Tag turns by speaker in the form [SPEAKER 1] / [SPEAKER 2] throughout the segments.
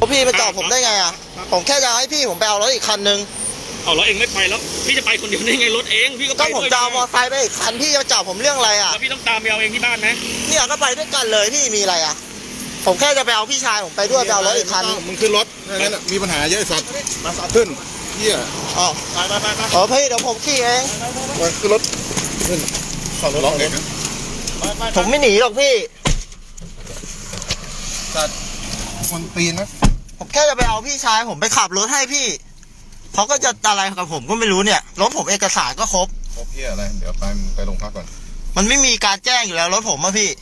[SPEAKER 1] พี่มาจอดผมได้ไงอ่ะผมแค่จะให้พี่ผมไปเอารถอีกคันนึง
[SPEAKER 2] เอารถเองไม่ไปแล้วพี่จะไปคนเดียวได้ไงรถเองพี่ก็ไป
[SPEAKER 1] ก็ผมจะเอามอเตอร์ไซค์ไปอีกคันพี่จะมาจอดผมเรื่องอะไรอ่ะ
[SPEAKER 2] แล้วพี่ต้องตามไปเอาเองที่บ้านไหม
[SPEAKER 1] เนี่ยก็ไปด้วยกันเลยพี่มีอะไรอ่ะผมแค่จะไปเอาพี่ชายผมไปด้วยไปเอารถอีกคัน
[SPEAKER 3] มึงขึ้นรถนั่นมีปัญหาเยอะสัตว์มาขึ้นเหี้ย
[SPEAKER 1] อ๋อไปพี่เดี๋ยวผมขี่เอง
[SPEAKER 3] ขึ้นรถขึ้นล็อกเองนะ
[SPEAKER 1] ผมไม่หนีหรอกพี่
[SPEAKER 3] สัตว์คนตีนนะ
[SPEAKER 1] ผมแค่จะไปเอาพี่ชายผมไปขับรถให้พี่เขาก็จะอะไรกับผมก็ไม่รู้เนี่ยรถผมเอกสารก็ครบ
[SPEAKER 3] เหี้ยอะไรเดี๋ยวไปโรงพักก่อน
[SPEAKER 1] มันไม่มีการแจ้งอยู่แล้วรถผมอะพี่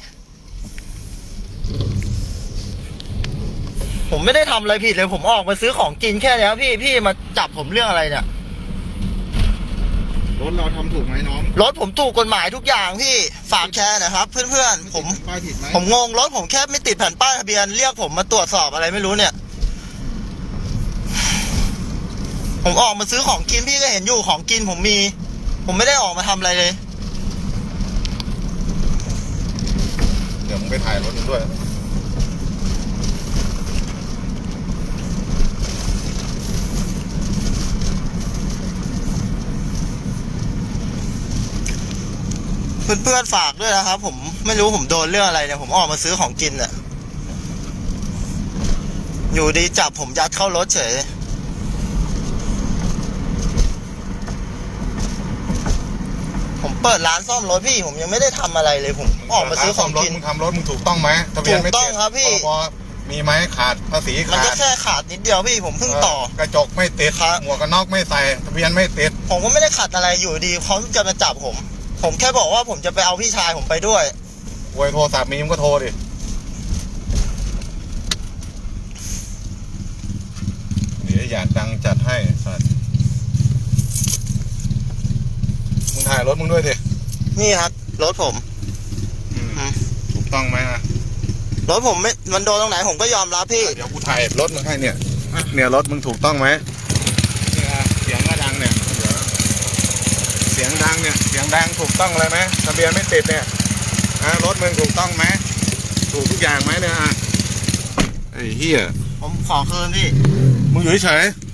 [SPEAKER 1] ผมไม่ได้ทำอะไรผิดเลยผมออกมาซื้อของกินแค่นี้พี่มาจับผมเรื่องอะไรเนี่ย
[SPEAKER 3] รถเราทำถูกไหมน้อง
[SPEAKER 1] รถผมถูกกฎหมายทุกอย่างพี่ฝากแชร์นะครับเพื่อนๆผมงงรถผมแค่ไม่ติดแผ่นป้ายทะเบียนเรียกผมมาตรวจสอบอะไรไม่รู้เนี่ยผมออกมาซื้อของกินพี่ก็เห็นอยู่ของกินผมมีผมไม่ได้ออกมาทำอะไรเลย
[SPEAKER 3] เดี๋ยวมึงไปถ่ายรถมึงด้วย
[SPEAKER 1] เพื่อนๆฝากด้วยนะครับผมไม่รู้ผมโดนเรื่องอะไรเนี่ยผมออกมาซื้อของกินเนี่ยอยู่ดีจับผมยัดเข้ารถเฉยผมเปิดร้านซ่อมรถพี่ผมยังไม่ได้ทำอะไรเลยผมออกมาซื้อของกิน
[SPEAKER 3] มึงทำรถมึงถูกต้องไหมทะเบียนไม่
[SPEAKER 1] ถูกต้องครับพี่
[SPEAKER 3] มีไหมขาดภาษีขาด
[SPEAKER 1] มันก็แค่ขาดนิดเดียวพี่ผมเพิ่งต่อก
[SPEAKER 3] ระจกไม่ติดหมวกกันน็อกไม่ใส่ทะเบียนไม่ติด
[SPEAKER 1] ผมก็ไม่ได้ขัดอะไรอยู่ดีเขาจะมาจับผมแค่บอกว่าผมจะไปเอาพี่ชายผมไปด้วย
[SPEAKER 3] โวยโทรศัพท์มีมึงก็โทรดิเดี๋ยวอยากดังจัดให้สัตว์มึงถ่ายรถมึงด้วยดิ
[SPEAKER 1] นี่ครับรถผม
[SPEAKER 3] ถูกต้องไหมนะ
[SPEAKER 1] รถผมไม่มันโดนตรงไหนผมก็ยอมรับพี่
[SPEAKER 3] เดี๋ยวกูถ่ายรถมึงให้เนี่ยรถมึงถูกต้องไหมเสียงก็ดังเนี่ยเสียงดังเนี่ยเสียงดังถูกต้องเลยไหมทะเบียนไม่ติดเนี่ยรถมึงถูกต้องไหมถูกทุกอย่างไหมเนี่ยไอ้เหี้ย
[SPEAKER 1] ผมขอคืนพี่
[SPEAKER 3] มึงอยู่เฉย